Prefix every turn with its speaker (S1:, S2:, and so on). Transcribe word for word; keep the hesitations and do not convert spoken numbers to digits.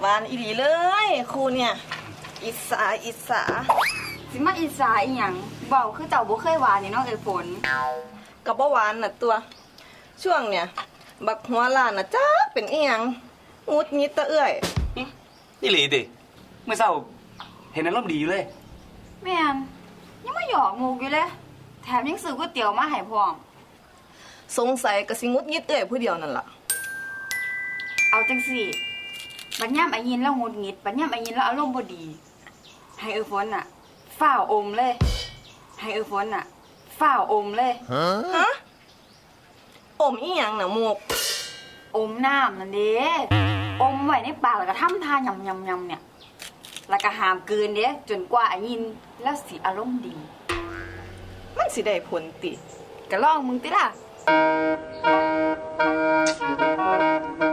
S1: านอีหลีเลยครูเนี่ยอิสาอิสา
S2: สิมาอิสาอีหยังเว้าคือเจ้าบ่เคยหวานนี่เนาะเอ้ยฝน
S1: กับบ่หวานน่ะตัวช่วงเนี่ยบักหัวล้านน่ะจ้าเป็นอีหยังงุดงิดตะเอื้อย
S3: นี่หลีติเมื่อเช้าเห็นอารมณ์ดีอยู่เลย
S2: แม่นยังมาหยอกมุกอยู่เลยแถมยังซื้อก๋วยเตี๋ยวมาให้พร้อม
S1: สงสัยก็สิงุดงิดเอื้อยผู้เดียวนั่นล่ะ
S2: เอาจังสิบัดย่ำไอ้ยินแล้วงุดหงิดบัดย่ำไอ้ยินแล้วอารมณ์บ่ดีให้เอ้ยฝนน่ะฝ้าวอมเลยให้เอ้ยฝนน่ะฝ้าวอมเลย
S1: ฮะอมอีหยังน่ะมุก
S2: อมน้ำนั่นเด้อมไว้ในปากแล้วก็ทำท่ายำยำยำเนี่ยแล้วก็ห้ามกลืนเด้จนกว่าไอ้ยินแล้วสิอารมณ์ดี
S1: มันสิได้ผลติ
S2: ก็ลองมึงติล่ะ